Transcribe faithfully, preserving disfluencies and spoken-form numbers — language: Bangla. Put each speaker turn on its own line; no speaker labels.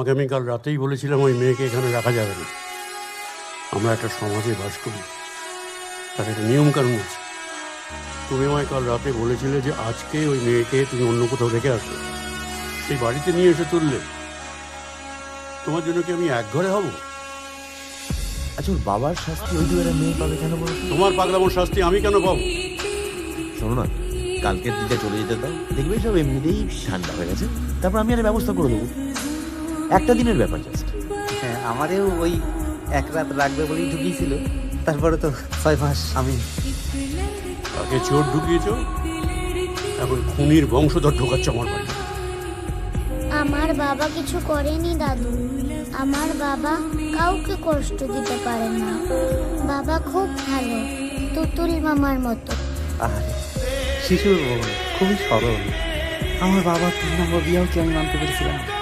তোমাকে আমি কাল রাতেই বলেছিলাম ওই মেয়েকে এখানে রাখা যাবে না। আমরা একটা সমাজে বাস করি, তার একটা নিয়ম কানুন আছে। তুমি আমায় কাল রাতে বলেছিলে যে আজকে ওই মেয়েকে তুমি অন্য কোথাও রেখে আসবে, সেই বাড়িতে নিয়ে এসে তুললে। তোমার জন্য কি আমি এক ঘরে হব?
আচ্ছা, ওর বাবার শাস্তি ওই দুয়ারে মেয়ে পাবে কেন বলো?
তোমার পাগলামোর শাস্তি আমি কেন পাবো?
শোনো না, কালকের দিকে চলে যেতে দাও, দেখবে সব এমনিতেই ঠান্ডা হয়ে গেছে। তারপর আমি একটা ব্যবস্থা করে দেবো, একটা দিনের ব্যাপার জাস্ট।
হ্যাঁ, আমারেও ওই এক রাত রাখবে বলেই ঢুকিয়েছিল, তারপরে তো ছয় মাস আমি।
আগে চোর ঢুকিয়েছ, এখন খুনির বংশধর ঢোকাচ্ছ আমার বাড়ি।
আমার বাবা কিছু করেনি দাদু, আমার বাবা কাউকে কষ্ট দিতে পারে না। বাবা খুব ভালো, তুতুল মামার মতো।
আর শিশুর মন খুবই সরল। আমার বাবা তিন নম্বর বিয়েও কি আমি মানতে পেরেছিলাম?